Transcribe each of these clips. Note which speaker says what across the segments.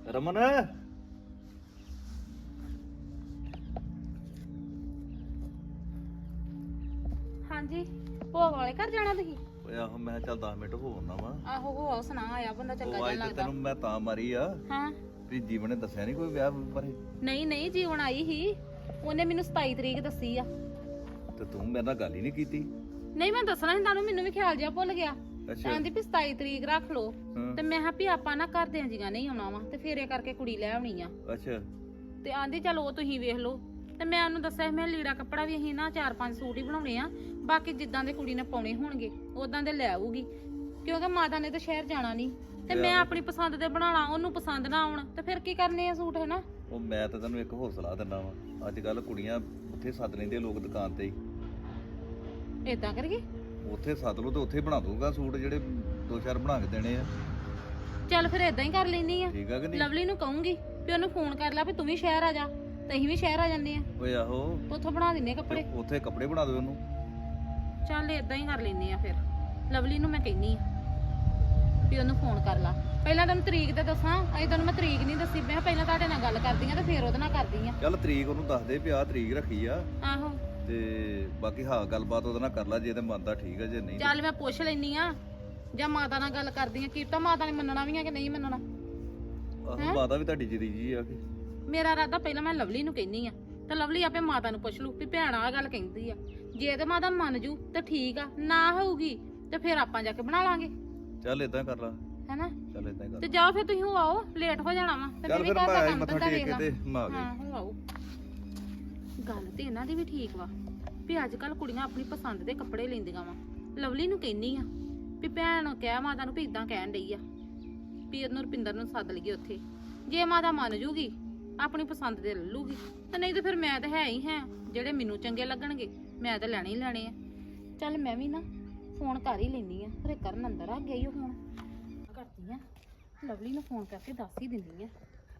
Speaker 1: ਰਮਨ
Speaker 2: ਹਾਂਜੀ ਭੋਗ ਵਾਲੇ ਘਰ ਜਾਣਾ ਤੁਸੀਂ?
Speaker 1: ਓਏ ਆਹੋ ਮੈਂ ਕਿਹਾ ਚੱਲ 10 ਮਿੰਟ ਹੋ ਆਉਣਾ ਵਾ।
Speaker 2: ਆਹੋ ਹੋ ਸੁਣਾ ਆਇਆ ਬੰਦਾ ਚੰਗਾ
Speaker 1: ਉਹ
Speaker 2: ਜਿਹਾ
Speaker 1: ਅੱਜ ਤੇ
Speaker 2: ਲੱਗਦਾ।
Speaker 1: ਤੈਨੂੰ ਮੈਂ ਤਾਂ ਮਾਰੀ ਆ
Speaker 2: ਹਾਂ
Speaker 1: ਵੀ ਜੀਵਨ ਨੇ ਦੱਸਿਆ ਨਹੀਂ ਕੋਈ ਵਿਆਹ ਬਾਰੇ।
Speaker 2: ਨਹੀਂ ਨਹੀਂ ਜੀਵਨ ਆਈ ਹੀ, ਉਹਨੇ ਮੈਨੂੰ 27 ਤਰੀਕ ਦੱਸੀ ਆ।
Speaker 1: ਤੇ ਤੂੰ ਮੇਰੇ ਨਾਲ ਗੱਲ ਹੀ ਨਹੀਂ ਕੀਤੀ।
Speaker 2: ਨਹੀਂ ਮੈਂ ਦੱਸਣਾ ਸੀ ਤੁਹਾਨੂੰ, ਮੈਨੂੰ ਵੀ ਖਿਆਲ ਜਿਹਾ ਭੁੱਲ ਗਿਆ।
Speaker 1: ਅੱਛਾ
Speaker 2: ਕਹਿੰਦੀ ਵੀ 27 ਤਰੀਕ ਰੱਖ ਲਓ।
Speaker 1: ਹਾਂ।
Speaker 2: ਤੇ ਮੈਂ ਕਿਹਾ ਵੀ ਆਪਾਂ ਨਾ ਘਰ ਦਿਆਂ ਜੀਆਂ ਨਹੀਂ ਆਉਣਾ ਵਾ ਤੇ ਫੇਰੇ ਕਰਕੇ ਕੁੜੀ ਲੈ ਆਉਣੀ ਆ।
Speaker 1: ਅੱਛਾ
Speaker 2: ਤੇ ਆਂਦੀ ਚਲ ਉਹ ਤੁਸੀਂ ਵੇਖ ਲਓ। ਤੇ ਮੈਂ ਉਹਨੂੰ ਦੱਸਿਆ ਮੈਂ ਲੀੜਾ ਕੱਪੜਾ ਵੀ ਅਸੀਂ ਨਾ 4-5 ਸੂਟ ਹੀ ਬਣਾਉਣੇ ਆ, ਬਾਕੀ ਜਿੱਦਾਂ ਦੇ ਕੁੜੀ ਨੇ ਪਾਉਣੇ ਹੋਣਗੇ ਉਦਾਂ ਦੇ ਲੈ ਆਊਗੀ, ਕਿਉਂਕਿ ਮਾਤਾ ਨੇ ਤਾਂ ਸ਼ਹਿਰ ਜਾਣਾ ਨਹੀਂ ਤੇ ਮੈਂ ਆਪਣੀ ਪਸੰਦ ਦੇ ਬਣਾਉਣਾ, ਉਹਨੂੰ ਪਸੰਦ ਨਾ ਆਉਣ ਤੇ ਫਿਰ ਕੀ ਕਰਨੇ ਆ ਸੂਟ, ਹੈ ਨਾ।
Speaker 1: ਉਹ ਮੈਂ ਤਾਂ ਤੈਨੂੰ ਇੱਕ ਹੋਰ ਸਲਾਹ ਦਿੰਦਾ ਵਾ, ਅੱਜ ਕੱਲ ਕੁੜੀਆਂ ਉੱਥੇ ਸੱਦ ਲੈਂਦੇ ਲੋਕ ਦੁਕਾਨ ਤੇ ਹੀ।
Speaker 2: ਏਦਾਂ ਕਰੀਏ?
Speaker 1: ਉੱਥੇ ਸੱਦ ਲਓ ਤੇ ਉੱਥੇ ਬਣਾ ਦੂੰਗਾ ਸੂਟ, ਜਿਹੜੇ 2-4 ਬਣਾ ਕੇ ਦੇਣੇ ਆ।
Speaker 2: ਚੱਲ ਫਿਰ ਏਦਾਂ ਹੀ ਕਰ ਲੈਣੀ ਆ।
Speaker 1: ਠੀਕ ਆ ਕਿ ਨਹੀਂ?
Speaker 2: ਲਵਲੀ ਨੂੰ ਕਹੂੰਗੀ ਵੀ ਉਹਨੂੰ ਫੋਨ ਕਰ ਲੈ ਵੀ ਤੂੰ ਵੀ ਸ਼ਹਿਰ ਆ ਜਾ ਤੇ ਅਸੀਂ ਵੀ ਸ਼ਹਿਰ ਆ ਜੰਨੇ ਆ,
Speaker 1: ਓਏ ਆਹੋ
Speaker 2: ਉੱਥੋਂ ਬਣਾ ਦਿੰਨੇ ਆ ਕੱਪੜੇ।
Speaker 1: ਉੱਥੇ ਕੱਪੜੇ ਬਣਾ ਦਿਓ ਉਹਨੂੰ।
Speaker 2: ਚੱਲ ਏਦਾਂ ਹੀ ਕਰ ਲੈਨੇ ਆ ਫਿਰ। ਲਵਲੀ ਨੂੰ ਮੈਂ ਕਹਿਨੀ ਆ ਵੀ ਉਹਨੂੰ ਫੋਨ ਕਰ ਲਾ। ਪਹਿਲਾਂ ਤੈਨੂੰ ਤਰੀਕ ਤੇ ਦੱਸਾਂ, ਅਜੇ ਤੈਨੂੰ ਮੈਂ ਤਰੀਕ ਨਹੀਂ ਦੱਸੀ। ਮੈਂ ਪਹਿਲਾਂ ਤੁਹਾਡੇ ਨਾਲ ਗੱਲ ਕਰਦੀ ਆ ਤੇ ਫਿਰ ਉਹਦੇ ਨਾਲ ਕਰਦੀ ਆ।
Speaker 1: ਚੱਲ ਤਰੀਕ ਉਹਨੂੰ ਦੱਸ ਦੇ ਵੀ ਆਹ ਤਰੀਕ ਰੱਖੀ ਆ,
Speaker 2: ਆਹੋ
Speaker 1: ਤੇ ਬਾਕੀ ਹਾਂ ਗੱਲਬਾਤ ਉਹਦੇ ਨਾਲ ਕਰ ਲੈ, ਜੇ ਤੇ ਮੰਨਦਾ ਠੀਕ ਆ, ਜੇ ਨਹੀਂ
Speaker 2: ਚੱਲ ਮੈਂ ਪੁੱਛ ਲੈਨੀ ਆ ਜਾਂ ਮਾਤਾ ਨਾਲ ਗੱਲ ਕਰਦੀ ਆ, ਕੀ ਪਤਾ ਮਾਤਾ ਨੇ ਮੰਨਣਾ ਵੀ ਆ ਕਿ ਨਹੀਂ ਮੰਨਣਾ।
Speaker 1: ਆਹੋ ਮਾਤਾ ਵੀ ਤੁਹਾਡੀ ਜਰੀ ਜੀ ਆ ਕਿ।
Speaker 2: ਮੇਰਾ ਇਰਾਦਾ ਪਹਿਲਾਂ ਮੈਂ ਲਵਲੀ ਨੂੰ ਕਹਿਨੀ ਆ ਤੇ ਲਵਲੀ ਆਪੇ ਮਾਤਾ ਨੂੰ ਪੁੱਛ ਲੂ ਵੀ ਭੈਣ ਆ ਗੱਲ ਕਹਿੰਦੀ ਆ। ਜੇ ਤੇ ਮਾਤਾ ਮੰਨ ਜੂ ਤੇ ਠੀਕ ਆ, ਨਾ ਹੋਊਗੀ ਤੇ ਫਿਰ ਆਪਾਂ ਜਾ ਕੇ ਬਣਾ ਲਾਂਗੇ।
Speaker 1: ਚੱਲ ਇਦਾਂ ਕਰ ਲਾ,
Speaker 2: ਹੈਨਾ?
Speaker 1: ਚੱਲ ਇਦਾਂ ਕਰ
Speaker 2: ਤੇ ਜਾਓ ਫਿਰ ਤੁਸੀਂ ਹੋ ਆਓ, ਲੇਟ ਹੋ ਜਾਣਾ ਵਾ ਤੇ
Speaker 1: ਚੱਲ
Speaker 2: ਵੀ
Speaker 1: ਫਿਰ
Speaker 2: ਘਰ
Speaker 1: ਮੈਂ
Speaker 2: ਦਾ
Speaker 1: ਆਈ
Speaker 2: ਕੰਮ
Speaker 1: ਮੱਥਾ
Speaker 2: ਧੰਦਾ
Speaker 1: ਟੇਕ
Speaker 2: ਵੇਖ
Speaker 1: ਕੇ
Speaker 2: ਲਾ।
Speaker 1: ਤੇ ਮੈਂ ਆ
Speaker 2: ਹਾਂ
Speaker 1: ਗਈ।
Speaker 2: ਹੋ ਆਓ। ਗੱਲ ਤੇ ਇਹਨਾਂ ਦੀ ਵੀ ਠੀਕ ਵਾ ਵੀ ਅੱਜ ਕੱਲ ਕੁੜੀਆਂ ਆਪਣੀ ਪਸੰਦ ਦੇ ਕੱਪੜੇ ਲੈਂਦੀਆਂ ਵਾ। ਲਵਲੀ ਨੂੰ ਕਹਿਨੀ ਆ ਵੀ ਭੈਣ ਕਹਿ ਮਾਤਾ ਨੂੰ ਵੀ ਇਦਾਂ ਕਹਿਣ ਡਈ ਆ ਵੀ ਇਹਨੂੰ ਰੁਪਿੰਦਰ ਨੂੰ ਸੱਦ ਲਈਏ ਉੱਥੇ। ਜੇ ਮਾਤਾ ਮੰਨ ਜੂਗੀ ਆਪਣੀ ਪਸੰਦ ਦੇ ਲੈ ਲੂਗੀ, ਤੇ ਨਹੀਂ ਤੇ ਫਿਰ ਮੈਂ ਤਾਂ ਹੈ ਹੀ ਹੈ, ਜਿਹੜੇ ਮੈਨੂੰ ਚੰਗੇ ਲੱਗਣਗੇ ਮੈਂ ਤਾਂ ਲੈਣੇ ਹੀ ਲੈਣੇ ਆ। ਚੱਲ ਮੈਂ ਵੀ ਨਾ ਫੋਨ ਕਰ ਹੀ ਲੈਣੀ ਆ, ਫਿਰ ਕਰਨ ਅੰਦਰ ਆ ਗਿਆ ਹੀ ਹੁਣ ਕਰਦੀ ਆ, ਲਵਲੀ ਨੂੰ ਫੋਨ ਕਰਕੇ ਦੱਸ ਹੀ ਦਿੰਦੀ ਆ।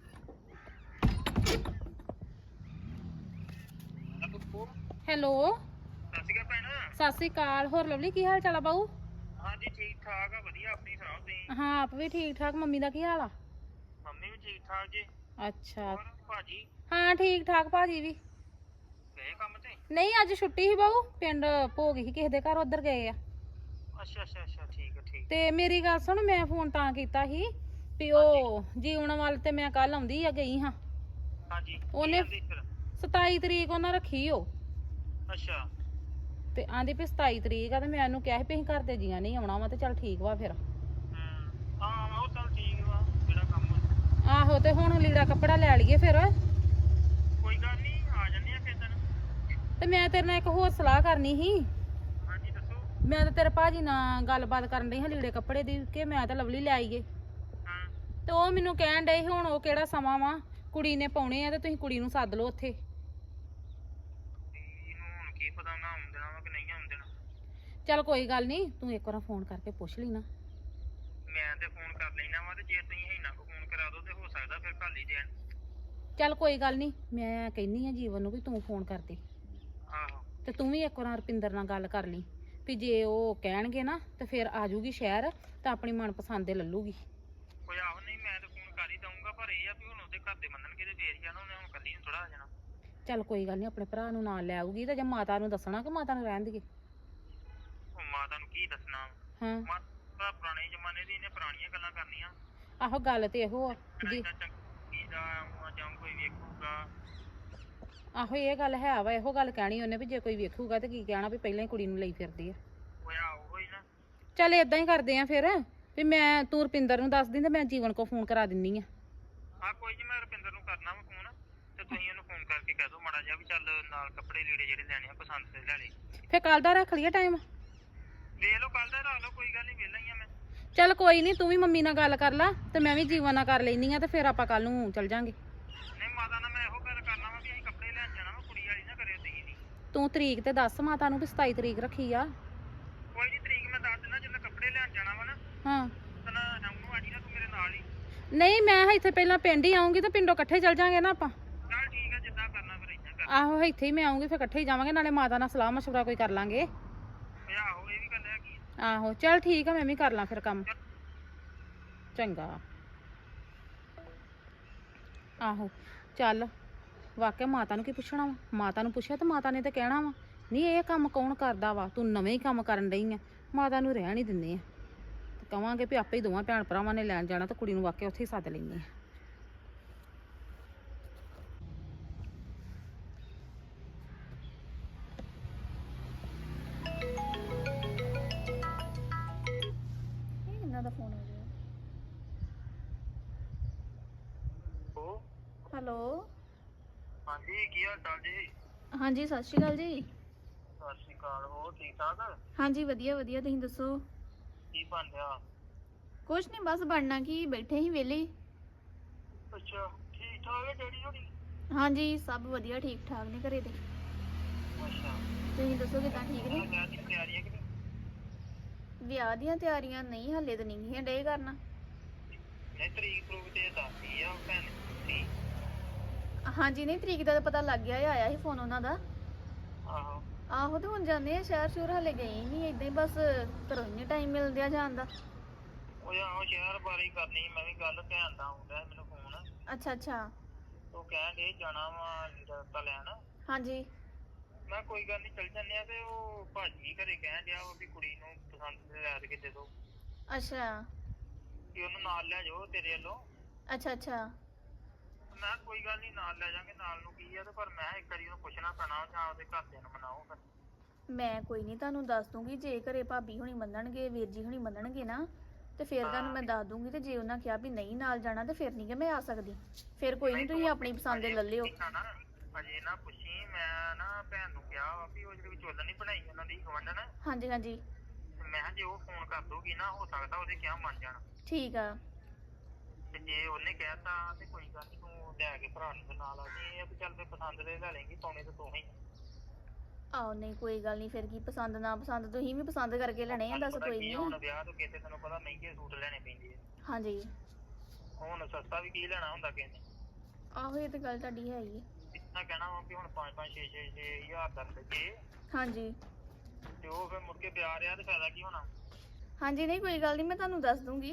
Speaker 2: ਹੈਲੋ
Speaker 3: ਸਤਿ ਸ਼੍ਰੀ ਅਕਾਲ ਭੈਣ।
Speaker 2: ਸਤਿ ਸ੍ਰੀ ਅਕਾਲ। ਹੋਰ ਲਵਲੀ ਕੀ ਹਾਲ ਚਾਲ ਆ ਬਾਊ?
Speaker 3: ਹਾਂਜੀ ਠੀਕ ਠਾਕ ਆ, ਵਧੀਆ। ਆਪਣੀ ਸੁਣਾਓ ਤੁਸੀਂ?
Speaker 2: ਹਾਂ ਆਪ ਵੀ ਠੀਕ ਠਾਕ। ਮੰਮੀ ਦਾ ਕੀ ਹਾਲ ਆ?
Speaker 3: ਮੰਮੀ ਵੀ ਠੀਕ ਠਾਕ ਜੀ।
Speaker 2: ਅੱਛਾ
Speaker 3: ਹੋਰ ਭਾਜੀ
Speaker 2: ਹਾਂ ਠੀਕ ਠਾਕ। ਭਾਜੀ ਵੀ
Speaker 3: ਗਏ ਕੰਮ ਤੇ?
Speaker 2: ਨਹੀਂ, ਅੱਜ ਛੁੱਟੀ ਸੀ ਬਾਊ, ਪਿੰਡ ਭੋਗ ਸੀ ਕਿਸੇ ਦੇ ਘਰ, ਉੱਧਰ ਗਏ ਆ।
Speaker 3: ਅੱਛਾ ਅੱਛਾ ਅੱਛਾ, ਠੀਕ ਆ ਠੀਕ।
Speaker 2: ਤੇ ਮੇਰੀ ਗੱਲ ਸੁਣ, ਮੈਂ ਫੋਨ ਤਾਂ ਕੀਤਾ ਸੀ ਵੀ ਉਹ ਜੀਵਨ ਵੱਲ ਤੇ ਮੈਂ ਕੱਲ ਆਉਂਦੀ ਆ ਗਈ ਹਾਂ।
Speaker 3: ਹਾਂਜੀ
Speaker 2: ਉਹਨੇ
Speaker 3: ਕੀ ਕਹਿੰਦੀ ਫਿਰ?
Speaker 2: 27 ਤਰੀਕ ਉਹਨਾਂ ਰੱਖੀ ਉਹ,
Speaker 3: ਅੱਛਾ
Speaker 2: ਤੇ ਆਂਦੀ ਵੀ 27 ਤਰੀਕ ਆ, ਤੇ ਮੈਂ ਉਹਨੂੰ ਕਿਹਾ ਸੀ ਵੀ ਅਸੀਂ ਘਰ ਦੇ ਜੀਆਂ ਨਹੀਂ ਆਉਣਾ ਵਾ, ਤੇ ਚੱਲ ਠੀਕ ਵਾ ਫਿਰ।
Speaker 3: ਹਾਂ ਉਹ ਚੱਲ ਠੀਕ ਵਾ, ਜਿਹੜਾ ਕੰਮ ਆ।
Speaker 2: ਆਹੋ ਤੇ ਹੁਣ ਲੀੜਾ ਕੱਪੜਾ ਲੈ ਲਈਏ ਫਿਰ।
Speaker 3: ਕੋਈ ਗੱਲ ਨਹੀਂ, ਆ ਜੰਨੇ ਆ ਕਿਸੇ ਦਿਨ।
Speaker 2: ਤੇ ਮੈਂ ਤੇਰੇ ਨਾਲ ਇੱਕ ਹੋਰ ਸਲਾਹ ਕਰਨੀ ਸੀ।
Speaker 3: ਹਾਂਜੀ ਦੱਸੋ।
Speaker 2: ਮੈਂ ਤਾਂ ਤੇਰੇ ਭਾਜੀ ਨਾਲ ਗੱਲਬਾਤ ਕਰਨ ਡਈ ਹਾਂ ਲੀੜੇ ਕੱਪੜੇ ਦੀ, ਕਿ ਮੈਂ ਤਾਂ ਲਵਲੀ ਲੈ ਆਈਏ।
Speaker 3: ਹਾਂ
Speaker 2: ਤੇ ਉਹ ਮੈਨੂੰ ਕਹਿਣ ਡਏ ਹੁਣ ਉਹ ਕਿਹੜਾ ਸਮਾਂ ਵਾ, ਕੁੜੀ ਨੇ ਪਾਉਣੇ ਆ ਤੇ ਤੁਸੀਂ ਕੁੜੀ ਨੂੰ ਸੱਦ ਲਓ ਉੱਥੇ।
Speaker 3: ਇਹਨੂੰ ਹੁਣ ਕੀ ਪਤਾ ਨਾ ਆਉਣ ਦੇਣਾ ਵਾ ਕਿ ਨਹੀਂ ਆਉਣ ਦੇਣਾ।
Speaker 2: ਚੱਲ ਕੋਈ ਗੱਲ ਨਹੀਂ, ਤੂੰ ਇੱਕ ਵਾਰ ਫੋਨ ਕਰਕੇ ਪੁੱਛ ਲਈ ਨਾ।
Speaker 3: ਮੈਂ ਤੇ ਫੋਨ ਕਰ ਲੈਣਾ ਵਾ, ਤੇ ਜੇ ਤੁਸੀਂ ਇਹਨਾਂ ਕੋ ਫੋਨ ਕਰਾ ਦੋ ਤੇ ਹੋ ਸਕਦਾ ਫਿਰ ਕੱਲ ਹੀ ਦੇਣ।
Speaker 2: ਚੱਲ ਕੋਈ ਗੱਲ ਨਹੀਂ, ਮੈਂ ਕਹਿੰਨੀ ਆ ਜੀਵਨ ਨੂੰ ਵੀ ਤੂੰ ਫੋਨ ਕਰ ਦੇ,
Speaker 3: ਆਹੋ
Speaker 2: ਤੇ ਤੂੰ ਵੀ ਇੱਕ ਵਾਰ ਰੁਪਿੰਦਰ ਨਾਲ ਗੱਲ ਕਰ ਲਈ ਵੀ ਜੇ ਉਹ ਕਹਿਣਗੇ ਨਾ ਤੇ ਫਿਰ ਆ ਜੂਗੀ ਸ਼ਹਿਰ, ਤਾਂ ਆਪਣੀ ਮਨਪਸੰਦ ਦੇ ਲੱਲੂਗੀ।
Speaker 3: ਕੋਈ ਆਹੋ ਨਹੀਂ, ਮੈਂ ਤੇ ਫੋਨ ਕਰ ਹੀ ਦਊਂਗਾ, ਪਰ ਇਹ ਆ ਵੀ ਹੁਣ ਉਹਦੇ ਘਰ ਦੇ ਮੰਨਣਗੇ ਤੇ ਫੇਰ ਹੀ ਆ ਨਾ, ਉਹਨੇ ਹੁਣ ਕੱਲੀ ਨੂੰ ਥੋੜਾ ਆ ਜਾਣਾ।
Speaker 2: ਚੱਲ ਕੋਈ ਗੱਲ ਨਹੀਂ, ਆਪਣੇ ਭਰਾ ਨੂੰ ਨਾਲ ਲੈ ਆਊਗੀ, ਤੇ ਜੇ ਮਾਤਾ ਨੂੰ ਦੱਸਣਾ ਕਿ ਮਾਤਾ ਨੂੰ ਰਹਿਣ ਦੇਈਏ।
Speaker 3: ਉਹ ਮਾਤਾ ਨੂੰ ਕੀ ਦੱਸਣਾ?
Speaker 2: ਹਾਂ
Speaker 3: ਮਾਤਾ ਪੁਰਾਣੇ ਜ਼ਮਾਨੇ ਦੀ, ਇਹਨੇ ਪੁਰਾਣੀਆਂ ਗੱਲਾਂ ਕਰਨੀਆਂ।
Speaker 2: ਆਹੋ ਗੱਲ ਤੇ ਇਹੋ ਆ ਜੀ।
Speaker 3: ਚੰਗੀ ਦਾ ਜਾਂ ਕੋਈ ਵੇਖੂਗਾ।
Speaker 2: ਆਹੋ ਇਹ ਗੱਲ ਹੈ ਵਾ, ਇਹੋ ਗੱਲ ਕਹਿਣੀ ਉਹਨੇ ਵੀ ਜੇ ਕੋਈ ਵੇਖੂਗਾ ਤੇ ਕੀ ਕਹਿਣਾ ਵੀ ਪਹਿਲਾਂ ਹੀ ਕੁੜੀ ਨੂੰ ਲਈ ਫਿਰਦੀ ਆ।
Speaker 3: ਹੋਇਆ ਉਹ ਹੀ ਨਾ।
Speaker 2: ਚੱਲ ਏਦਾਂ ਹੀ ਕਰਦੇ ਆ ਫਿਰ, ਵੀ ਮੈਂ ਤੂੰ ਰੁਪਿੰਦਰ ਨੂੰ ਦੱਸ ਦੀ ਤੇ ਮੈਂ ਜੀਵਨ ਕੋ ਫੋਨ ਕਰਾ ਦਿੰਨੀ ਆ।
Speaker 3: ਹਾਂ ਕੋਈ ਨਹੀਂ, ਮੈਂ ਰੁਪਿੰਦਰ ਨੂੰ ਕਰਨਾ ਵਾ ਫੋਨ, ਤੇ ਤੁਸੀਂ ਉਹਨੂੰ ਫੋਨ ਕਰਕੇ ਕਹਿ ਦਿਓ ਮਾੜਾ ਜਿਹਾ ਵੀ ਚੱਲ ਨਾਲ ਕੱਪੜੇ ਲੀੜੇ ਜਿਹੜੇ ਲੈਣੇ ਆ ਪਸੰਦ ਦੇ ਲੈ ਲੈ।
Speaker 2: ਫਿਰ ਕੱਲ ਦਾ ਰੱਖ ਲਈਏ ਟਾਈਮ?
Speaker 3: ਵੇਖ ਲਓ ਕੱਲ ਦਾ ਰੱਖ ਲਓ, ਕੋਈ ਗੱਲ ਨਹੀਂ, ਵਿਹਲਾ ਹੀ ਆ ਮੈਂ।
Speaker 2: ਚੱਲ ਕੋਈ ਨਹੀਂ, ਤੂੰ ਵੀ ਮੰਮੀ ਨਾਲ ਗੱਲ ਕਰ ਲਾ ਤੇ ਮੈਂ ਵੀ ਜੀਵਨ ਨਾਲ ਕਰ ਲੈਨੀ ਆ, ਤੇ ਫਿਰ ਆਪਾਂ ਕੱਲ ਨੂੰ ਚੱਲ ਜਾਾਂਗੇ।
Speaker 3: ਨਹੀਂ ਮਾਤਾ ਨਾਲ ਮੈਂ ਇਹੋ ਗੱਲ ਕਰਨਾ ਵਾ ਵੀ ਅਸੀਂ ਕੱਪੜੇ ਲੈਣ ਜਾਣਾ ਵਾ, ਕੁੜੀ ਵਾਲੀ ਨਾ ਕਰਿਓ ਤੁਸੀਂ ਨਹੀਂ।
Speaker 2: ਤੂੰ ਤਰੀਕ ਤੇ ਦੱਸ ਮਾਤਾ ਨੂੰ ਵੀ 27 ਤਰੀਕ ਰੱਖੀ ਆ।
Speaker 3: ਕੋਈ ਨਹੀਂ, ਤਰੀਕ ਮੈਂ ਦੱਸ ਦਿੰਦਾ, ਜਦੋਂ ਕੱਪੜੇ ਲੈਣ ਜਾਣਾ ਵਾ ਨਾ
Speaker 2: ਹਾਂ
Speaker 3: ਤਾਂ ਸ਼ਾਮ ਨੂੰ ਆ ਜੀ ਨਾ ਤੂੰ ਮੇਰੇ ਨਾਲ ਹੀ।
Speaker 2: ਨਹੀਂ, ਮੈਂ ਇੱਥੇ ਪਹਿਲਾਂ ਪਿੰਡ ਹੀ ਆਉਂਗੀ ਤੇ ਪਿੰਡੋਂ ਇਕੱਠੇ ਚੱਲ ਜਾਾਂਗੇ ਨਾ ਆਪਾਂ।
Speaker 3: ਚੱਲ ਠੀਕ ਆ, ਜਿੱਦਾਂ ਕਰਨਾ ਫਿਰ ਇਦਾਂ ਕਰ।
Speaker 2: ਆਹੋ ਇੱਥੇ ਹੀ ਮੈਂ ਆਉਂਗੀ, ਫਿਰ ਇਕੱਠੇ ਹੀ ਜਾਵਾਂਗੇ, ਨਾਲੇ ਮਾਤਾ ਨਾਲ ਸਲਾਹ ਮਸ਼ਵਰਾ ਕੋਈ ਕਰ ਲਾਂਗੇ।
Speaker 3: ਆਹੋ ਇਹ ਵੀ ਗੱਲ ਹੈਗੀ ਆ।
Speaker 2: ਆਹੋ ਚੱਲ ਠੀਕ ਆ, ਮੈਂ ਵੀ ਕਰ ਲਾਂ ਫਿਰ ਕੰਮ। ਚੰਗਾ। ਆਹੋ ਚੱਲ ਵਾਕਿਆ ਮਾਤਾ ਨੂੰ ਕੀ ਪੁੱਛਣਾ ਵਾ ਮਾਤਾ ਨੂੰ ਪੁੱਛਿਆ ਤੇ ਮਾਤਾ ਨੇ ਤਾਂ ਕਹਿਣਾ ਵਾ ਨਹੀਂ ਇਹ ਕੰਮ ਕੌਣ ਕਰਦਾ ਵਾ ਤੂੰ ਨਵੇਂ ਹੀ ਕੰਮ ਕਰਨ ਡਈ ਆ ਮਾਤਾ ਨੂੰ ਰਹਿਣ ਹੀ ਦਿੰਦੇ ਆ ਤੇ ਕਵਾਂਗੇ ਵੀ ਆਪੇ ਹੀ ਦੋਵਾਂ ਭੈਣ ਭਰਾਵਾਂ ਨੇ ਲੈਣ ਜਾਣਾ ਤੇ ਕੁੜੀ ਨੂੰ ਵਾਕਿਆ ਉੱਥੇ ਹੀ ਸੱਦ ਲੈਂਦੇ ਆ
Speaker 4: ਇਹਨਾਂ ਦਾ ਫੋਨ ਆ ਗਿਆ
Speaker 3: ਉਹ
Speaker 4: ਹੈਲੋ
Speaker 3: ਹਾਂਜੀ ਕੀ ਹਾਲ ਚਾਲ ਜੀ?
Speaker 4: ਹਾਂਜੀ ਸਤਿ ਸ਼੍ਰੀ ਅਕਾਲ ਜੀ।
Speaker 3: ਸਤਿ ਸ਼੍ਰੀ ਅਕਾਲ। ਹੋਰ ਠੀਕ ਠਾਕ?
Speaker 4: ਹਾਂਜੀ ਵਧੀਆ ਵਧੀਆ ਤੁਸੀਂ ਦੱਸੋ।
Speaker 3: ਕੀ ਬਣ ਰਿਹਾ?
Speaker 4: ਕੁਛ ਨਹੀਂ ਬਸ ਬਣਨਾ ਕੀ ਬੈਠੇ ਹੀ ਵਿਹਲੇ ਹੀ।
Speaker 3: ਅੱਛਾ ਠੀਕ ਠਾਕ ਹੈ ਡੈਡੀ ਹੋਣੀ?
Speaker 4: ਹਾਂਜੀ ਸਭ ਵਧੀਆ ਠੀਕ ਠਾਕ ਨੇ ਘਰੇ ਤੇ।
Speaker 3: ਅੱਛਾ
Speaker 4: ਤੁਸੀਂ ਦੱਸੋ ਕਿਦਾਂ ਠੀਕ ਨੇ?
Speaker 3: ਵਿਆਹ ਦੀ ਤਿਆਰੀ ਹੈ ਕਿ ਨਹੀਂ?
Speaker 4: ਵਿਆਹ ਦੀਆਂ ਤਿਆਰੀਆਂ ਨਹੀਂ ਹਾਲੇ ਤਾਂ ਨਹੀਂ ਡੇ ਕਰਨਾ।
Speaker 3: ਨਹੀਂ ਤਰੀਕ ਪ੍ਰੂਫ ਤੇ ਦੱਸਦੀ ਆ ਭੈਣ ਦੀ।
Speaker 4: ਹਾਂਜੀ ਨਹੀਂ ਤਰੀਕ ਦਾ ਤਾਂ ਪਤਾ ਲੱਗ ਗਿਆ ਆਇਆ ਸੀ ਫੋਨ ਉਹਨਾਂ ਦਾ।
Speaker 3: ਆਹੋ
Speaker 4: ਆਹੋ ਤੇ ਹੁਣ ਜਾਂਦੇ ਆ ਸ਼ਹਿਰ ਸ਼ੁਰ ਹਾਲੇ ਗਏ ਨਹੀਂ ਏਦਾਂ ਹੀ ਬਸ ਘਰੋਂ ਨਹੀਂ ਟਾਈਮ ਮਿਲਦਿਆ ਜਾਣ ਦਾ।
Speaker 3: ਉਹ ਆਹੋ ਸ਼ਹਿਰ ਬਾਰੇ ਹੀ ਕਰਨੀ ਮੈਂ ਵੀ ਗੱਲ ਧਿਆਨ ਦਾ ਆਉਂਦਾ ਮੈਨੂੰ ਫੋਨ।
Speaker 4: ਅੱਛਾ ਅੱਛਾ
Speaker 3: ਉਹ ਕਹਿਣ ਦੇ ਜਾਣਾ ਵਾ ਲੀੜਾ ਲੈਣ।
Speaker 4: ਹਾਂਜੀ
Speaker 3: ਮੈਂ ਕੋਈ ਗੱਲ ਨਹੀਂ ਚੱਲ ਜੰਨੇ ਆ ਤੇ ਉਹ ਭਾਜੀ ਘਰੇ ਕਹਿਣ ਡਿਆ ਉਹ ਵੀ ਕੁੜੀ ਨੂੰ ਪਸੰਦ ਦੇ ਲੈ ਕੇ ਦੇ ਦੋ
Speaker 4: ਅੱਛਾ
Speaker 3: ਕਿ ਉਹਨੂੰ ਨਾਲ ਲੈ ਜਾਓ ਤੇਰੇ ਵੱਲੋਂ।
Speaker 4: ਅੱਛਾ ਅੱਛਾ
Speaker 3: ਮੈਂ ਕੋਈ ਗੱਲ ਨਹੀਂ ਨਾਲ ਲੈ ਜਾਾਂਗੇ ਨਾਲ ਨੂੰ ਕੀ ਆ ਤੇ ਪਰ ਮੈਂ ਇੱਕ ਵਾਰੀ ਉਹਨੂੰ ਪੁੱਛਣਾ ਪੈਣਾ ਜਾਂ ਉਹਦੇ ਘਰਦਿਆਂ ਨੂੰ ਮਨਾਓ ਫਿਰ।
Speaker 4: ਮੈਂ ਕੋਈ ਨਹੀਂ ਤੁਹਾਨੂੰ ਦੱਸ ਦੂੰਗੀ ਜੇ ਘਰੇ ਭਾਬੀ ਹੁਣੀ ਮੰਨਣਗੇ ਵੀਰ ਜੀ ਹੁਣੀ ਮੰਨਣਗੇ ਨਾ ਤੇ ਫਿਰ ਤੁਹਾਨੂੰ ਮੈਂ ਦੱਸ ਦੂੰਗੀ ਤੇ ਜੇ ਉਹਨਾਂ ਕਿਹਾ ਵੀ ਨਹੀਂ ਨਾਲ ਜਾਣਾ ਤੇ ਫਿਰ ਨਹੀਂ ਕਿ ਮੈਂ ਆ ਸਕਦੀ ਫਿਰ ਕੋਈ ਨਹੀਂ ਤੁਸੀਂ ਆਪਣੀ ਪਸੰਦ ਦੇ ਲੈ ਲਿਓ।
Speaker 3: ਅਜੇ ਨਾ ਪੁੱਛੀ ਮੈਂ ਨਾ ਭੈਣ ਨੂੰ ਕਿਹਾ ਵਾ ਵੀ ਉਹ ਜਿਹੜੀ ਵਿਚੋਲਣ ਨਹੀਂ ਬਣਾਈ ਉਹਨਾਂ ਦੀ ਗਵੰਡਨ।
Speaker 4: ਹਾਂਜੀ ਹਾਂਜੀ
Speaker 3: ਮੈਂ ਜੇ ਉਹ ਫੋਨ ਕਰ ਦੂਗੀ ਨਾ ਹੋ ਸਕਦਾ ਉਹਦੇ ਕਿਹਾ ਮੰਨ ਜਾਣ।
Speaker 4: ਠੀਕ ਆ
Speaker 3: ਤੇ ਜੇ ਉਹਨੇ ਕਹਿਤਾ ਤੇ ਕੋਈ ਗੱਲ ਨਹੀਂ ਤੂੰ ਲੈ ਕੇ ਭਰਾ ਨੂੰ ਨਾਲ ਆ ਜੀ ਇਹ ਚੱਲ ਫੇ ਪਸੰਦ ਦੇ ਲੈ ਲੇਂਗੀ ਪਾਉਣੇ ਤੇ ਤੂੰ ਹੀ।
Speaker 4: ਆਹੋ ਨਹੀਂ ਕੋਈ ਗੱਲ ਨਹੀਂ ਫਿਰ ਕੀ ਪਸੰਦ ਨਾ ਪਸੰਦ ਤੁਸੀਂ ਵੀ ਪਸੰਦ ਕਰਕੇ ਲੈਣੇ ਆ ਦੱਸ ਕੋਈ ਨਹੀਂ।
Speaker 3: ਹੁਣ ਵਿਆਹ ਤੋਂ ਕਿਤੇ ਤੈਨੂੰ ਪਤਾ ਮਹਿੰਗੇ ਸੂਟ ਲੈਣੇ ਪੈਂਦੇ ਆ।
Speaker 4: ਹਾਂਜੀ
Speaker 3: ਹੁਣ ਸਸਤਾ ਵੀ ਕੀ ਲੈਣਾ ਹੁੰਦਾ ਕਿਸੇ ਨੇ।
Speaker 4: ਆਹੋ ਇਹ ਤੇ ਗੱਲ ਤੁਹਾਡੀ ਹੈ ਹੀ ਹੈ।
Speaker 3: ਇਤਨਾ ਕਹਿਣਾ ਵਾ ਵੀ ਹੁਣ 5-5 6-6 ਹਜ਼ਾਰ ਦਾ ਲੱਗੇ
Speaker 4: ਹਾਂਜੀ
Speaker 3: ਤੇ ਉਹ ਫਿਰ ਮੁੜ ਕੇ ਵਿਆਹ ਰਿਹਾ ਤੇ ਫਾਇਦਾ ਕੀ ਹੋਣਾ।
Speaker 4: ਹਾਂਜੀ ਨਹੀਂ ਕੋਈ ਗੱਲ ਨਹੀਂ ਮੈਂ ਤੁਹਾਨੂੰ ਦੱਸ ਦੂੰਗੀ।